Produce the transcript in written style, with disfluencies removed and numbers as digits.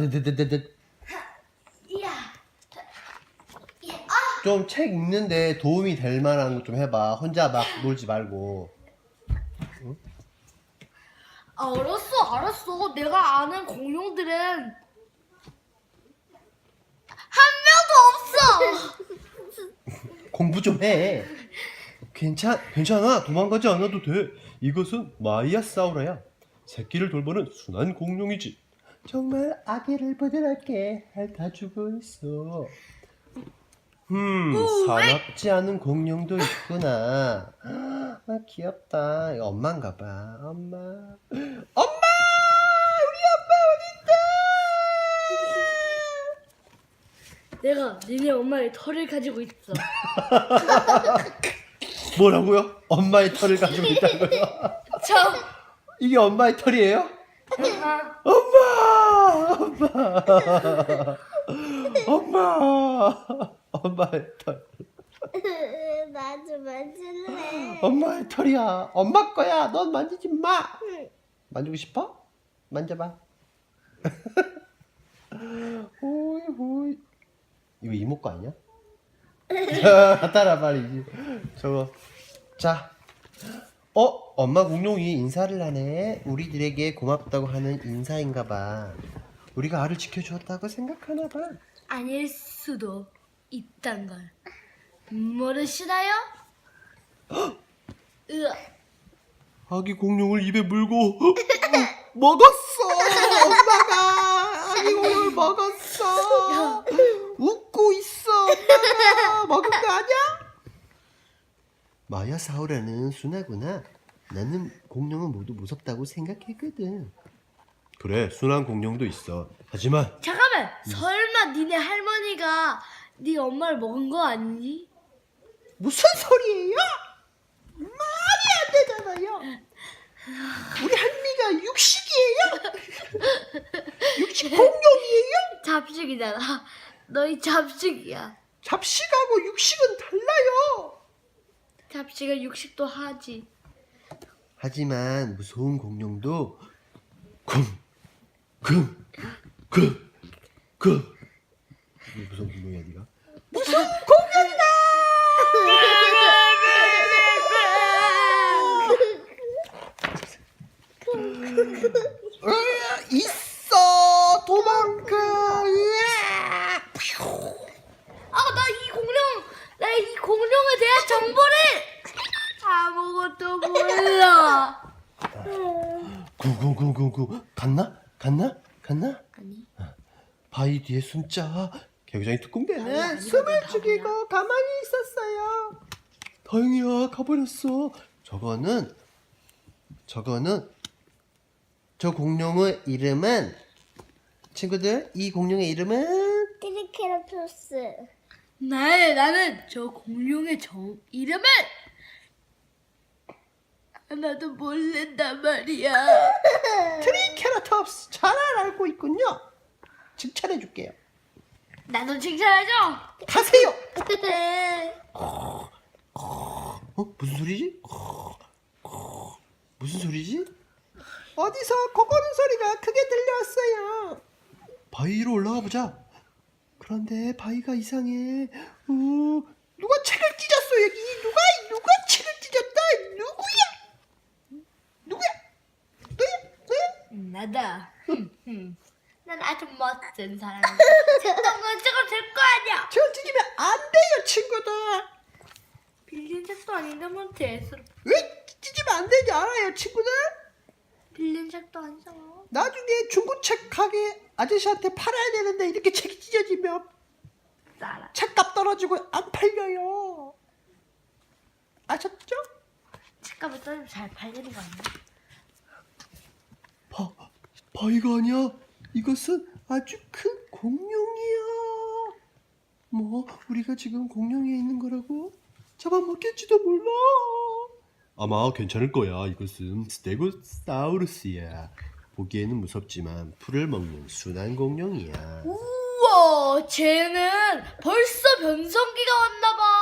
이야. 좀 책 읽는데 도움이 될 만한 거 좀 해봐. 혼자 막 놀지 말고. 알았어. 내가 아는 공룡들은 한 명도 없어. 공부 좀 해. 괜찮아. 도망가지 않아도 돼. 이것은 마이아사우라야. 새끼를 돌보는 순한 공룡이지. 정말 아기를 부드럽게 핥아주고 있어. 사납지 않은 공룡도 있구나. 아, 귀엽다. 이거 엄마인가 봐. 엄마. 우리 아빠 내가 니네 엄마의 털을 가지고 있어. 뭐라고요? 엄마의 털을 가지고 있다고요? 이게 엄마의 털이에요? 엄마의 털. 나도 만질래. 엄마의 털이야. 엄마 거야. 넌 만지지 마. 만지고 싶어? 만져봐. 호이. 이거 이모 거 아니야? 따라 빨리. 저거. 자. 엄마 공룡이 인사를 하네. 우리들에게 고맙다고 하는 인사인가 봐. 우리가 알을 지켜주었다고 생각하나 봐. 아닐 수도 있단 걸 모르시나요? 으아. 아기 공룡을 입에 물고 먹었어. 엄마가 아기 공룡을 먹었어. 웃고 있어. 엄마가 먹은 거 아니야? 마야사우라는 순하구나. 나는 공룡은 모두 무섭다고 생각했거든. 그래, 순한 공룡도 있어. 하지만 잠깐만, 설마 니네 할머니가 네 엄마를 먹은 거 아니니? 무슨 소리예요? 말이 안 되잖아요. 우리 할미가 육식이에요? 육식 공룡이에요? 잡식이잖아. 너희 잡식이야. 잡식하고 육식은 달라요. 잡식은 육식도 하지. 하지만 무서운 공룡도 무슨 공룡이야 네가? 무서운 공룡이다. 있어. 도망가. 나 이 공룡에 대한 정보를 아무것도 몰라. 구구구구구 갔나? 아니. 바위 뒤에 숨자. 개구장이 특공대네. 숨을 죽이고 가만히 있었어요. 다행이야, 가버렸어. 저 공룡의 이름은, 친구들, 이 공룡의 이름은 트리케라토스. 나는 저 공룡의 이름은 나도 모른단 말이야. 트리케라톱스. 잘 알고 있군요. 칭찬해줄게요. 나도 칭찬해줘. 가세요. 무슨 소리지? 무슨 소리지? 어디서 고고는 소리가 크게 들려왔어요. 바위 위로 올라가 보자. 그런데 바위가 이상해. 누가 책을 찢었어 여기. 누가 책을 찢었다. 누구야? 너야? 나다. 난 아주 멋진 사람이야. 책동은 찍어줄 거 아니야. 책을 찢으면 안 돼요 친구들. 빌린 책도 아닌데 뭐 대수로. 왜 찢으면 안 되지 알아요 친구들? 빌린 책도 아니잖아. 나중에 중고책 가게 아저씨한테 팔아야 되는데 이렇게 책이 찢어지면 알아. 책값 떨어지고 안 팔려요. 아셨죠? 책값을 떨면 잘 팔리는 거 아니야? 바위가 아니야. 이것은 아주 큰 공룡이야. 뭐 우리가 지금 공룡에 있는 거라고? 잡아먹겠지도 몰라. 아마 괜찮을 거야. 이것은 스테고사우루스야. 보기에는 무섭지만 풀을 먹는 순한 공룡이야. 우와, 쟤는 벌써 변성기가 왔나 봐.